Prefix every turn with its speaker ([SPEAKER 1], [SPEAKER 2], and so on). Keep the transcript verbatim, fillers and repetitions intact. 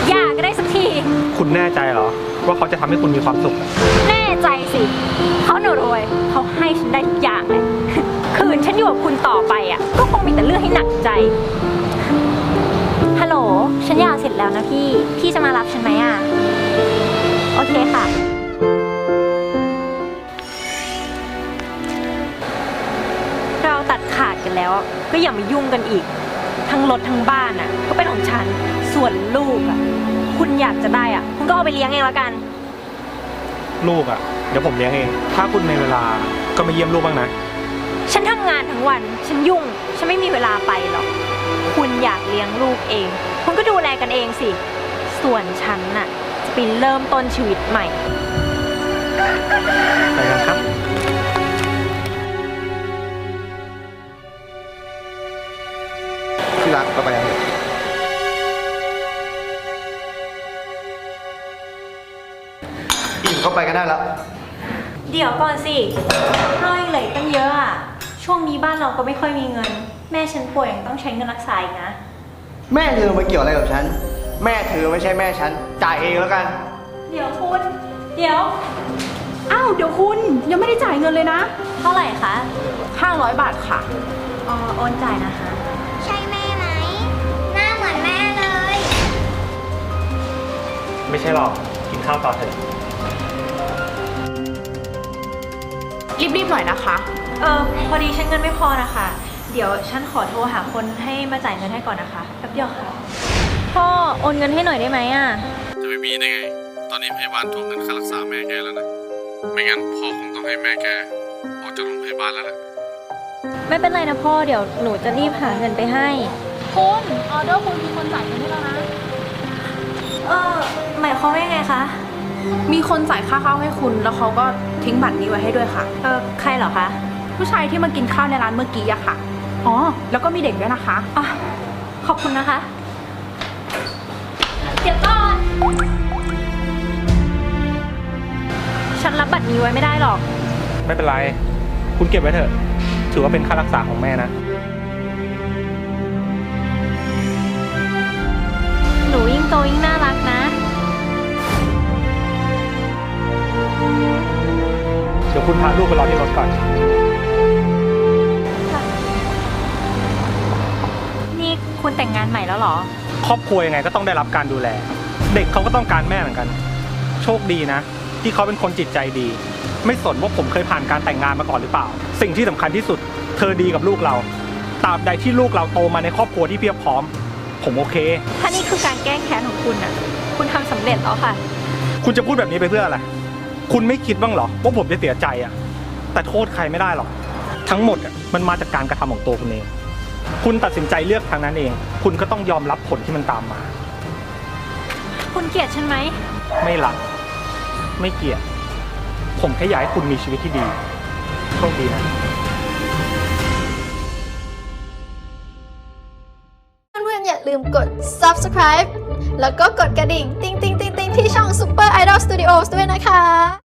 [SPEAKER 1] หย่าก็ได้สักที
[SPEAKER 2] คุณแน่ใจเหรอว่าเขาจะทำให้คุณมีความสุข
[SPEAKER 1] แน่ใจสิเขาหนูรวยเขาให้ฉันได้ทุกอย่างเลยคืนฉันอยู่กับคุณต่อไปอ่ะก็คงมีแต่เรื่องให้หนักใจฮัลโหลฉันหย่าเสร็จแล้วนะพี่พี่จะมารับฉันไหมอ่ะโอเคค่ะเราตัดขาดกันแล้วก็อย่ามายุ่งกันอีกทั้งรถทั้งบ้านอ่ะก็เป็นของฉันส่วนลูกอ่ะคุณอยากจะได้อ่ะคุณก็เอาไปเลี้ยงเองแล้วกัน
[SPEAKER 2] ลูกอ่ะเดี๋ยวผมเลี้ยงเองถ้าคุณมีเวลาก็มาเยี่ยมลูกบ้างนะ
[SPEAKER 1] ฉันทำงานทั้งวันฉันยุ่งฉันไม่มีเวลาไปหรอกคุณอยากเลี้ยงลูกเองคุณก็ดูแลกันเองสิส่วนฉันน่ะจะไปเริ่มต้นชีวิตใหม่
[SPEAKER 2] ไปกันครับ
[SPEAKER 3] ที่รักก็ไปกันเถอะอิ่มก็ไปกันได้แล้ว
[SPEAKER 1] เดี๋ยวก่อนสิเรายังเหลือตั้งเยอะอ่ะช่วงนี้บ้านเราก็ไม่ค่อยมีเงินแม่ฉันป่วยยังต้องใช้เงินรักษาอีกนะ
[SPEAKER 3] แม่เธอมาเกี่ยวอะไรกับฉันแม่เธอไม่ใช่แม่ฉันจ่ายเองแล้วกัน
[SPEAKER 1] เดี๋ยวคุณเดี๋ยว
[SPEAKER 4] อ้าวเดี๋ยวคุณยังไม่ได้จ่ายเงินเลยนะ
[SPEAKER 1] เท่าไหร่คะ
[SPEAKER 4] ห้าร้อยบาทค่ะ
[SPEAKER 1] อ๋อโอนจ่ายนะคะ
[SPEAKER 5] ใช่แม่ไหมหน้าเหมือนแม่เลย
[SPEAKER 2] ไม่ใช่หรอกกินข้าวต่อเถอะ
[SPEAKER 4] รีบๆหน่อยนะคะ
[SPEAKER 1] เออพอดีฉันเงินไม่พอนะคะเดี๋ยวฉันขอโทรหาคนให้มาจ่ายเงินให้ก่อนนะคะแป๊บเดียวค่ะพ่อโอนเงินให้หน่อยได้ไหมอ่ะ
[SPEAKER 6] จะไม่มีได้ไงตอนนี้พยาบาลทวงเงินค่ารักษาแม่แกแล้วนะไม่งั้นพ่อคงต้องให้แม่แกออกจากโรงพยาบาลแล้วแหละ
[SPEAKER 1] ไม่เป็นไรนะพ่อเดี๋ยวหนูจะรีบหาเงินไปให้
[SPEAKER 4] คุณออเดอร์คุณมีคนจ่ายเงินให้แล้วนะ
[SPEAKER 1] เออหมายความว่ายังไงคะ
[SPEAKER 4] มีคนจ่ายค่าข้าวให้คุณแล้วเขาก็ทิ้งบัตรนี้ไว้ให้ด้วยค่ะ
[SPEAKER 1] เออใครเหรอคะ
[SPEAKER 4] ผู้ชายที่มากินข้าวในร้านเมื่อกี้อะค่ะอ๋อแล้วก็มีเด็กด้วยนะคะ
[SPEAKER 1] อ่ะขอบคุณนะคะเดี๋ยวก่อนฉันรับบัตรนี้ไว้ไม่ได้หรอก
[SPEAKER 2] ไม่เป็นไรคุณเก็บไว้เถอะถือว่าเป็นค่ารักษาของแม่นะ
[SPEAKER 1] หนูยิ่งโตยิ่งน่ารักนะ
[SPEAKER 2] เดี๋ยวคุณพาลูกไปรอที่รถก่อน
[SPEAKER 1] นี่คุณแต่งงานใหม่แล้วเหรอ
[SPEAKER 2] ครอบครัวยังไงก็ต้องได้รับการดูแลเด็กเขาก็ต้องการแม่เหมือนกันโชคดีนะที่เขาเป็นคนจิตใจดีไม่สนว่าผมเคยผ่านการแต่งงานมาก่อนหรือเปล่าสิ่งที่สำคัญที่สุดเธอดีกับลูกเราตราบใดที่ลูกเราโตมาในครอบครัวที่เพียบพร้อมผมโอเค
[SPEAKER 1] ถ้านี่คือการแก้แค้นของคุณอ่ะคุณทำสำเร็จแล้วค่ะ
[SPEAKER 2] คุณจะพูดแบบนี้ไปเพื่ออะไรคุณไม่คิดบ้างเหรอว่าผมจะเสียใจอ่ะแต่โทษใครไม่ได้หรอกทั้งหมดอ่ะมันมาจากการกระทำของตัวคุณเองคุณตัดสินใจเลือกทางนั้นเองคุณก็ต้องยอมรับผลที่มันตามมา
[SPEAKER 1] คุณเกลียดฉันไหม
[SPEAKER 2] ไม่รักไม่เกลียดผมแค่อยากให้คุณมีชีวิตที่ดีโชคดีนะ
[SPEAKER 5] เพื่อนๆอย่าลืมกด ซับสไครบ์ แล้วก็กดกระดิ่งติ๊งติ๊งติ๊งติ๊งที่ช่อง Super Idol Studios ด้วยนะคะ